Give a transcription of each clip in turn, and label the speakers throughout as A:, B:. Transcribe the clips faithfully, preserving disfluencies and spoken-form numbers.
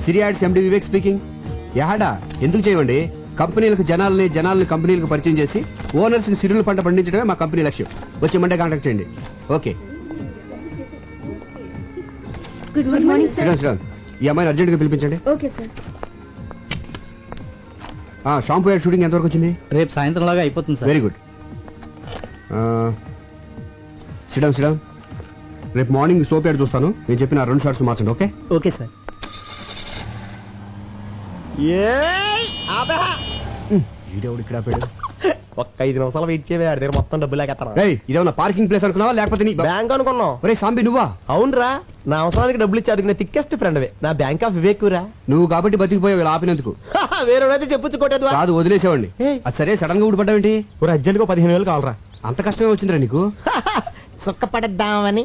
A: సిరి ads MD Vivek speaking. యాడా ఎందుకు చేయమండి? కంపెనీలకు జనాలని జనాలని కంపెనీలకు పరిచయం చేసి ఓనర్స్ కి సిరుల పంట పండించడమే మా కంపెనీ లక్ష్యం. వచ్చి మండే కాంటాక్ట్ చేయండి. Okay.
B: Good morning sir.
A: Sriram Sriram ఈ అమ్మాయిని అర్జెంట్ గా పిలిపించండి.
B: Okay sir.
A: Shampoo ad shooting ఎంతవరకు వచ్చింది?
C: రేపు సాయంత్రం లాగా అయిపోతుంది sir.
A: Very good. Sriram Sriram రేపు మార్నింగ్ సోప్ యాడ్ చూస్తాను. నేను చెప్పిన రెండు షార్ట్స్ మార్చండి. Okay
C: okay sir.
A: ఈడెవడు ఇక్కడ ఆపాడు?
D: ఒక్క ఐదు నిమిషాలు వెయిట్ చేయవే, ఆడి దగ్గర మొత్తం డబ్బులు లేకెత్తాను.
A: రేయ్ ఇదేమన్నా పార్కింగ్ ప్లేస్ అనుకున్నావా లేకపోతే నీ
D: బ్యాంక్ అనుకున్నాం.
A: ఒరే సాంబి నువ్వా?
D: అవునరా, నా అవసరానికి డబ్బులు ఇచ్చి అదిగిన థిక్కెస్ట్ ఫ్రెండ్ నా బ్యాంక్ ఆఫ్ వివేకురా.
A: నువ్వు కాబట్టి బతికిపోయావు ఇలా ఆపినందుకు.
D: వేరేదైతే చెప్పొచ్చు కొట్టేది
A: కాదు వదిలేసేవాడిని. అది సరే సడన్ గా ఊడిపడ్డావేంటి?
D: అర్జెంట్ గా పదిహేను వేలు కావాలరా.
A: అంత కష్టమే వచ్చిందిరా నీకు?
D: సుక్క పడేద్దామని.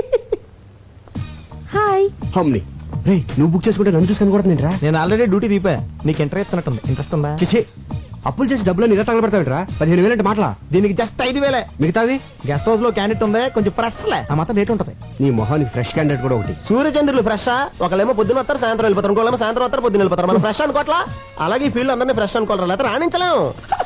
B: హాయ్.
A: హమ్ని రే నువ్వు బుక్ చేసుకుంటే నన్ను చూసుకొని కూడా నేను రా.
D: నేను ఆల్రెడీ డ్యూటీ దీపా. నీకు ఇంటర్ ఇస్తున్నట్టుంది. ఇంట్రెస్ట్ ఉందా?
A: చేసి అప్పులు చేసి డబ్బులు ఇలా తగలబెడతావిట్రా? పదిహేను వేలు అంటే మాటలా?
D: దీనికి జస్ట్ ఐదు వేలే.
A: మిగతావి
D: గెస్ట్ హౌస్ లో క్యాండిడేట్ ఉంది, కొంచెం ఫ్రెష్ లే. ఆ మాత్రం రేట్ ఉంటది.
A: నీ మొహానికి ఫ్రెష్ క్యాండిడేట్ కూడా ఒకటి.
D: సూర్యచంద్రులు ఫ్రెష్. ఒకళ్ళేమో పొద్దున వస్తారు, సాయంత్రం వెళ్ళిపోతారు. ఇంకోళ్ళేమో సాయంత్రం వస్తారు, పొద్దున వెళ్ళిపోతారు. మనం ఫ్రెష్ అనుకోవట్లా. అలాగే ఈ ఫీల్డ్ అందరినీ ఫ్రెష్ అనుకోవాలి, లేకపోతే రాణించలేము.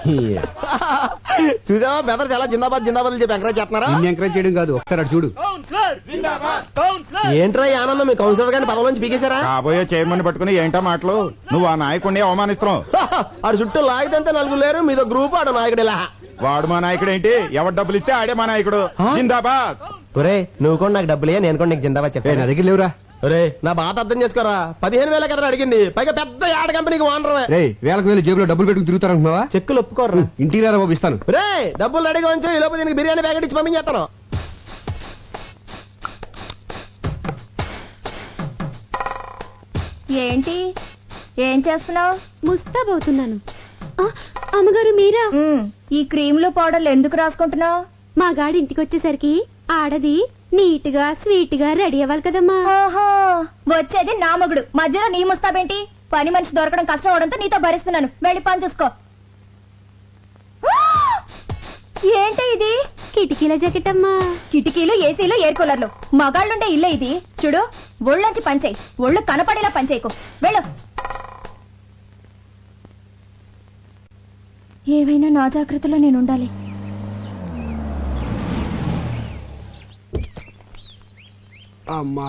D: చూసావా బెదర్ చాలా జిందాబాద్ జిందాబాద్ చెప్పి ఎంకరేజ్ చేస్తున్నారా?
A: నిన్ను ఎంకరేజ్ చేయడం కాదు, ఒకసారి అటు చూడు.
D: ఏంట్రా ఈ ఆనందం? మీ కౌన్సిలర్ గారిని పదవి నుంచి పీకేశారా?
E: కాబోయే చైర్మన్ పట్టుకుని ఏంటో మాటలు. నువ్వు ఆ నాయకుడిని అవమానిస్తున్నావు.
D: ఆడు చుట్టూ లాగితే నలుగురు లేరు, మీదో గ్రూప్ ఆడు నాయకుడు. ఇలా
E: వాడు మా నాయకుడు ఏంటి? ఎవరు డబ్బులు ఇస్తే ఆడే మా నాయకుడు. జిందాబాద్.
D: ఒరే నువ్వు కూడా నాకు డబ్బులే, నేను కూడా నీకు జిందాబాద్
A: ఏ,
D: చెప్పాను.
A: నా దగ్గర లేవురా.
D: ఒరే నా బాధ అర్థం చేసుకోరా. పదిహేను వేల కదా అడిగింది, పైగా పెద్ద యాడ్ కంపెనీకి ఓనర్.
A: రే వేలకు వేలు జేబులో డబ్బులు పెట్టుకుని తిరుగుతారనుకున్నావా?
D: చెక్కులు ఒప్పుకోర్రా.
A: ఇంటికి రారా బాబు ఇస్తాను.
D: రే డబ్బులు రెడీగా ఉంచు, ఈ లోపు దీనికి బిర్యానీ ప్యాకెట్ ఇచ్చి పంపించేస్తాను.
B: ఏంటి ఏం చేస్తున్నావు?
F: ముస్తాబవుతున్నాను. అమ్మగారు మీరా?
B: ఈ క్రీములు పౌడర్లు ఎందుకు రాసుకుంటున్నావు?
F: మా గాడి ఇంటికి వచ్చేసరికి ఆడది నీట్ గా స్వీట్ గా రెడీ అవ్వాలి కదమ్మా.
B: ఓహో వచ్చేది నా మొగుడు, మధ్యలో నీ ముస్తాబేంటి? పని మనిషి దొరకడం కష్టం అవడంతో నీతో భరిస్తున్నాను. వెళ్ళి పని చూసుకో. ఏంటి ఇది?
F: కిటికీల జాకెట్ అమ్మా.
B: కిటికీలు, ఏసీలు, ఎయిర్ కూలర్లు. మగాళ్ళుండే ఇల్లే ఇది. చూడు ఒళ్ళొంచి పంచేయి, ఒళ్ళు కనపడేలా పంచేయకు. వెళ్ళు. ఏవైనా నా జాగ్రత్తలో నేను ఉండాలి.
A: అమ్మా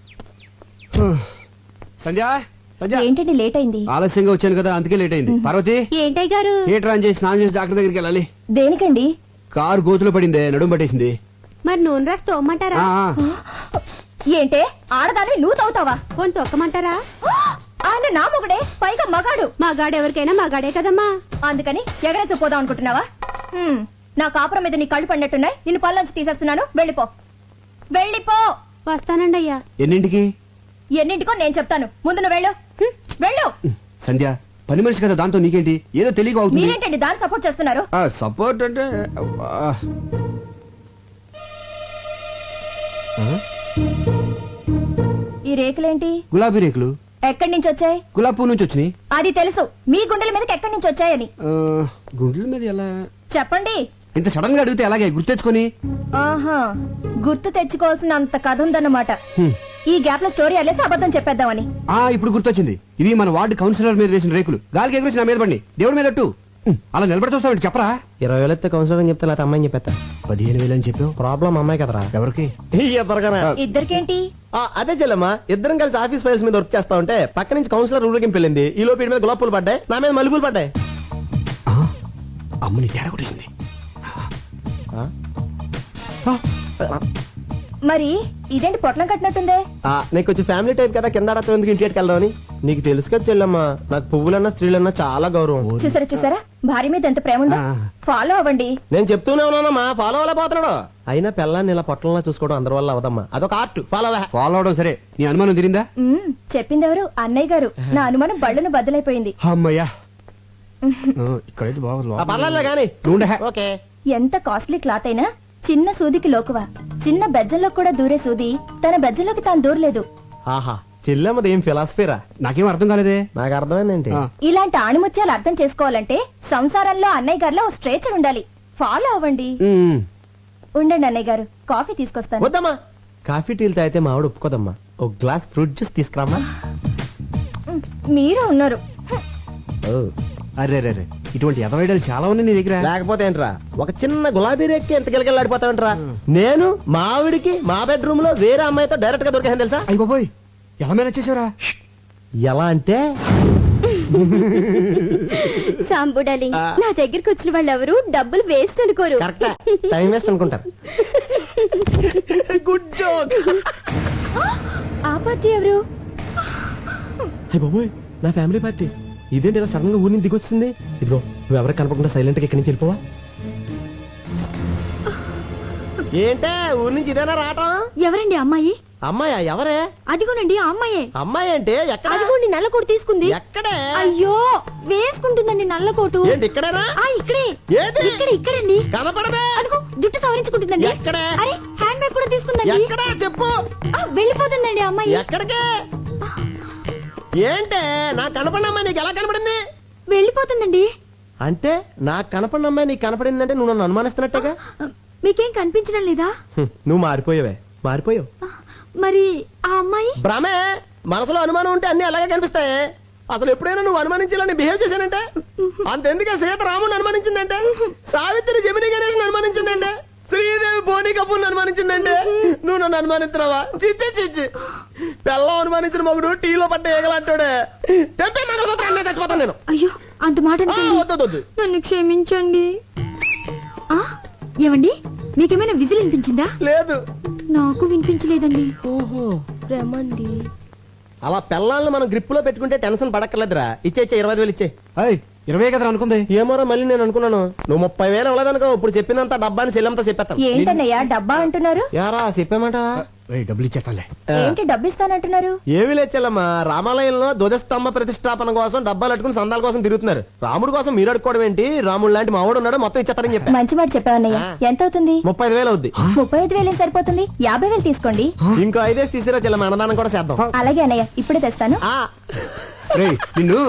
A: సంధ్య సంధ్య
B: ఏంటండి లేట్ అయింది?
A: ఆలస్యంగా వచ్చాను కదా అందుకే లేట్ అయింది. పార్వతి
F: ఏంటయ్య గారు?
A: థియేటర్ ఆన్ చేసి స్నానం చేసి డాక్టర్ దగ్గరికి వెళ్ళాలి.
B: దేనికండి?
A: కారు గోతులో పడిందే, నడుము పట్టేసింది.
F: మరి నూనె రాసి తోమ్మంటారా?
A: ఆ, ఆ.
B: ఏంటే ఆడదాన్ని నువ్వు తవ్వుతావా?
F: పోని తొక్కమంటారా?
B: ఆయన నా మొగుడే, పైగా మగాడు.
F: మా గాడు ఎవరికైనా మా గాడే కదమ్మా.
B: అందుకని ఎగరేసి పోదాం అనుకుంటున్నావా? హ్మ్, నా కాపురం మీద నీ కళ్ళు పడినట్టున్నాయి. నిన్ను పళ్ళొంచి తీసేస్తున్నాను. వెళ్ళిపో, వెళ్ళిపో.
F: వస్తానండి అయ్యా.
A: ఎన్నింటికి?
B: ఎన్నింటికో నేను చెప్తాను. ముందు నువ్వు వెళ్ళు. హ్మ్, వెళ్ళు.
A: సంధ్య పని మనిషి కదా, దాంతో నీకేంటి? ఏదో తెలియక అవుతుంది.
B: మీరేంటండి దాన్ని సపోర్ట్ చేస్తున్నారు?
A: సపోర్ట్ అంటే అబ్బా. ఆ?
B: ఈ రేకులేంటి?
A: గులాబీ రేకులు.
B: ఎక్కడి నుంచి వచ్చాయి?
A: గులాబీ పువ్వు నుంచి వచ్చినాయి.
B: అది తెలుసు, మీ గుండెల మీదకి ఎక్కడి నుంచి వచ్చాయని
A: ఆ, గుండెల మీద ఎలా?
B: చెప్పండి.
A: ఇంత సడన్ గా అడిగితే ఎలాగే గుర్తెచ్చుకొని?
B: ఆహా, గుర్తు తెచ్చుకోవాల్సిన అంత కథ ఉందన్నమాట.
A: హ్మ్.
B: ఈ గ్యాప్ లో స్టోరీ అల్లేసి అబద్ధం చెప్పేద్దామని.
A: ఆ ఇప్పుడు గుర్తొచ్చింది. ఇవి మన వార్డు కౌన్సిలర్ మీద వేసిన రేకులు. గాలికి ఎగురొచ్చి నా మీద పడి దేవుడి మీద అట్టు. అలా నిలబడి చూస్తామంటే చెప్పరా?
D: ఇరవై వేలు ఎత్తే కౌన్సిలర్ అని చెప్తే లేకపోతే అమ్మాయిని చెప్పేస్తా.
A: పదిహేను వేలు అని చెప్పావు.
D: ప్రాబ్లం అమ్మాయి కదరా.
A: ఎవరికి?
D: ఇద్దరుగానే.
B: ఇద్దరికేంటి?
D: అదే చెల్లమ్మా, ఇద్దరం కలిసి ఆఫీస్ ఫైల్స్ మీద వర్క్ చేస్తా ఉంటే పక్క నుంచి కౌన్సిలర్ ఊరికి వెళ్ళింది. ఈ లోపు వీడి మీద గులాబ్ పూలు పడ్డాయి, నా మీద మల్లెపూలు పడ్డాయి.
A: ఆ, అమ్మని తేడా కొట్టేసింది.
B: మరి ఇదేంటి పొట్లం కట్టినట్టుందే?
D: ఆ, నీకు కొంచెం ఫ్యామిలీ టైప్ కదా, కింద ఆడతాం ఎందుకు ఇంటికి వెళ్దామని. నీకు తెలుసు కదా చెల్లమ్మా, నాకు పువ్వులన్నా స్త్రీలన్నా చాలా గౌరవం.
B: చూసారా చూసారా భార్య మీద ఎంత ప్రేమ ఉందో.
A: ఆ.
B: ఫాలో అవ్వండి.
D: నేను చెప్తూనే ఉన్నానమ్మా, ఫాలో అవ్వలే పోతున్నాడు. అయినా పిల్లాన్ని ఇలా పొట్టంలా చూసుకోవడం అందరి వల్ల అవదమ్మా, అదొక ఆర్ట్. ఫాలో అవే.
A: ఫాలో అవడం సరే, నీ అనుమానం తిరిందా?
B: మ్మ్, చెప్పిందెవరు? అన్నయ్య గారు. నా అనుమానం బళ్ళను బద్దలైపోయింది.
A: అమ్మయ్యా. ఆ, ఇక్కడైతే బాగా
D: పర్లేదు కానీ ఓకే.
B: ఎంత కాస్ట్లీ క్లాత్ అయినా చిన్న సూదికి లోకువా. చిన్న బెజ్జంలో కూడా దూరే సూది తన బెజ్జంలోకి తాను దూరలేదు.
D: ఆహా, చెల్లెమ్మది ఏం ఫిలాసఫీరా?
A: నాకేం అర్థం కాలేదే.
D: నాకు అర్థమైందేంటి?
A: ఆ.
B: ఇలాంటి ఆణిముత్యాలు అర్థం చేసుకోవాలంటే సంసారంలో అన్నయ్య గారిలో ఓ స్ట్రేచర్ ఉండాలి. ఫాలో అవ్వండి.
A: ఉమ్.
B: ఉండండి అన్నయ్య గారు, కాఫీ తీసుకొస్తాను.
D: వద్దమ్మా, కాఫీ టీలు తాగితే మా ఆవిడ ఒప్పుకోదమ్మా. ఒక గ్లాస్ ఫ్రూట్ జ్యూస్ తీసుకురామ్మా.
B: మీరే ఉన్నారు
A: ఓ, అరే రే రే ఇటువంటి ఎదవైడలు చాలా ఉన్నాయి నీ దగ్గర.
D: లేకపోతే ఏంట్రా ఒక చిన్న గులాబీ రేక్కి ఎంత గిలగిలాడిపోతావంట్రా. నేను మా ఆవిడికి మా బెడ్రూమ్ లో వేరే అమ్మాయితో డైరెక్ట్ గా దొరికాను తెలుసా.
A: అయ్యి బాబోయ్ ఎలా మేనేజ్ చేసావురా?
D: ఎలా అంటే
F: సాంబు డార్లింగ్,
D: ఆ.
F: నా దగ్గరికి వచ్చిన వాళ్ళు ఎవరు డబ్బులు వేస్ట్ అనుకోరు.
D: కరెక్ట్ టైం వేస్ట్ అనుకుంటారు. Good joke.
F: ఆ పార్టీ ఎవరు?
D: అయ్య బాబోయ్ నా ఫ్యామిలీ పార్టీ. ఇదేంటి ఇలా సడన్ గా ఊరిని దిగొచ్చింది. ఇదిగో నువ్వు ఎవరికి కనపడకుండా సైలెంట్ గా ఇక్కడి నుంచి వెళ్ళిపోవా. ఏంటే ఊరి నుంచి ఇదేనా రావటం?
F: ఎవరండి అమ్మాయి?
D: అమ్మాయా ఎవరే?
F: అదిగోనండి ఆ అమ్మాయే.
D: అమ్మాయి అంటే ఎక్కడ?
F: అదిగోండి నల్ల కోటు తీసుకుంది.
D: ఎక్కడే?
F: అయ్యో వేసుకుంటుందండి నల్ల కోటు.
D: ఏంటి ఇక్కడేనా?
F: ఆ ఇక్కడే.
D: ఏది?
F: ఇక్కడ ఇక్కడండి.
D: కనపడదే.
F: అదిగో జుట్టు సవరించుకుంటుందండి.
D: ఎక్కడ?
F: అరే హ్యాండ్ బ్యాగ్ కూడా తీసుకుందండి.
D: ఎక్కడ చెప్పు.
F: ఆ, వెళ్ళిపోతుందండి ఆ అమ్మాయి.
D: ఎక్కడికి? ఏంటే నాకు కనపడిన అమ్మాయి నీకు ఎలా కనపడింది?
F: వెళ్ళిపోతుందండి.
D: అంటే నాకు కనపడిన అమ్మాయి నీకు కనపడిందంటే నువ్వు నన్ను అనుమానిస్తున్నట్టుగా.
F: మీకేం కనిపించడం లేదా?
D: హ్మ్, నువ్వు మారిపోయావే మారిపోయావు.
F: మరి ఆ అమ్మాయి?
D: భ్రమే. మనసులో అనుమానం ఉంటే అన్ని అలాగే కనిపిస్తాయి. అసలు ఎప్పుడైనా నువ్వు అనుమానించాలని బిహేవ్ చేశానంటే అంతెందుకే సీత రాముని అనుమానించిందంటే, సావిత్రి జమిని గణేష్ అనుమానించిందంటే, శ్రీదేవి బోని కపూర్ అనుమానించిందంటే నువ్వు నన్ను అనుమానిస్తున్నావా? చిచ్చి చిచ్చి పెళ్ళం అనుమానించిన మగుడు టీలో పడ్డ ఏగలంటాడే. తెంపే మంగళసూత్రం చచ్చిపోతాను నేను.
F: అయ్యో అంత మాట
D: ఆ,
F: అనకండి.
D: వద్దు వద్దు.
F: నన్ను క్షమించండి. ఆ ఏమండి మీకేమైనా విజిల్ వినిపించిందా?
D: లేదు.
F: నాకు వినిపించలేదండి.
D: ఓహో
F: రమండి.
D: అలా పెళ్ళాలను మనం గ్రిప్ లో పెట్టుకుంటే టెన్షన్ పడక్కర్లేదురా. ఇచ్చే ఇచ్చే ఇరవై ఐదు వేలు ఇచ్చే.
A: అయ్ ఇరవై కదా అనుకుంది.
D: ఏమోరా మళ్ళీ నేను అనుకున్నాను నువ్వు ముప్పై వేలు అవ్వలేదనుకో ఇప్పుడు చెప్పినంత డబ్బాని సెల్లంతా చెప్పేస్తాను.
B: ఏంటన్నయ్యా డబ్బా అంటున్నారు?
D: యారా చెప్పామంట.
A: ఏయ్, డబ్బులు ఇచ్చేస్తాలే.
B: ఏంటి డబ్బిస్తానంటున్నారు?
D: ఏమి లేచెల్లమ్మా, రామాలయంలో ధ్వజస్తంభ ప్రతిష్టాపన కోసం డబ్బాలు అట్టుకుని సందాల కోసం తిరుగుతున్నారు. రాముడు కోసం మీరు అడుకోవడం ఏంటి? రాముడు లాంటి మావాడు ఉన్నాడు, మొత్తం ఇచ్చేస్తారని చెప్పా.
B: మంచి మాట చెప్పావన్నయ్య. ఎంత అవుతుంది?
D: ముప్పై ఐదు వేలు అవుద్ది.
B: ముప్పై ఐదు వేలు ఏం సరిపోతుంది? యాభై వేలు తీసుకోండి.
D: ఇంకో ఐదేసి తీసిరా చెల్లమ్మ, అన్నదానం కూడా చేద్దాం.
B: అలాగే అన్నయ్య ఇప్పుడే తెస్తాను.
D: ఆ.
A: రేయ్ నిన్ను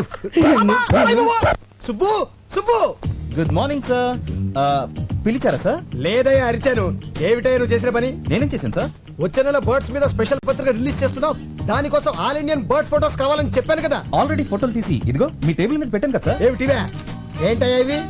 C: Subbu Subbu
E: good morning sir. పిలిచారా సార్?
C: లేదయ్యా అరిచాను. ఏమిటయ్యా నువ్వు చేసిన పని?
E: నేనేం చేశాను సార్?
C: వచ్చే నెల బర్డ్స్ మీద స్పెషల్ పత్రిక రిలీజ్ చేస్తున్నావు. దానికోసం ఆల్ ఇండియన్ బర్డ్ ఫోటోస్ కావాలని చెప్పాను కదా.
E: ఆల్రెడీ ఫోటోలు తీసి ఇదిగో మీ టేబుల్ మీద పెట్టాను కదా సార్.
C: ఏమిటివే? ఏంటయ్యా ఇవి?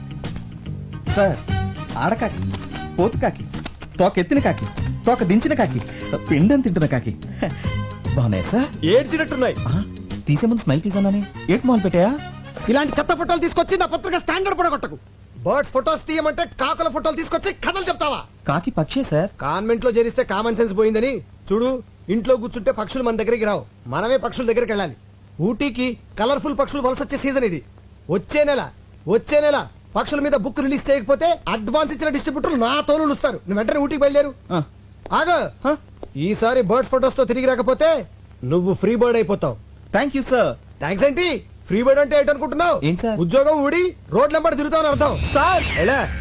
E: సార్ ఆడకాకి, పోతు కాకి, తోక ఎత్తిన కాకి, తోక దించిన కాకి, పిండం తింటున్న కాకి బాగున్నాయి సార్.
C: ఏడ్చినట్టున్నాయి.
E: ఆ, తీసే ముందు స్మైల్ ప్లీజ్ అన్నానే. ఏట్ మాల్ పెట్టాయా?
C: ఇలాంటి చెత్త ఫోటోలు తీసుకొచ్చి నా పత్రిక స్టాండర్డ్ పడగొట్టకు. బర్డ్స్ ఫోటోస్ తీయమంటే కాకుల ఫోటోలు తీసుకొచ్చి కథలు చెప్తావా?
E: కాకి పక్షే సార్.
C: కాన్వెంట్ లో చేరిస్తే కామన్ సెన్స్ పోయిందని చూడు. ఇంట్లో కూర్చుంటే పక్షులు మన దగ్గరికి రావు, మనమే పక్షుల దగ్గరికి వెళ్ళాలి. ఊటీకి కలర్ఫుల్ పక్షులు వలస వచ్చే సీజన్ ఇది. వచ్చే నెల వచ్చే నెల పక్షుల మీద బుక్ రిలీజ్ చేయకపోతే అడ్వాన్స్ ఇచ్చిన డిస్ట్రిబ్యూటర్లు నా తోలు ఇస్తారు. నువ్వు వెంటనే ఊటీకి బయలుదేరు.
E: ఆ,
C: ఆగ ఈసారి బర్డ్స్ ఫోటోస్ తో తిరిగి రాకపోతే నువ్వు ఫ్రీ బర్డ్ అయిపోతావు.
E: Thank you sir.
C: థ్యాంక్స్ ఏంటి? ఫ్రీ బర్డ్ అంటే ఏంటనుకుంటున్నావు?
E: ఏంటి సార్?
C: ఉద్యోగం ఊడి రోడ్ నెంబర్ తిరుగుతావు అని అర్థం.
E: సార్
C: ఎలా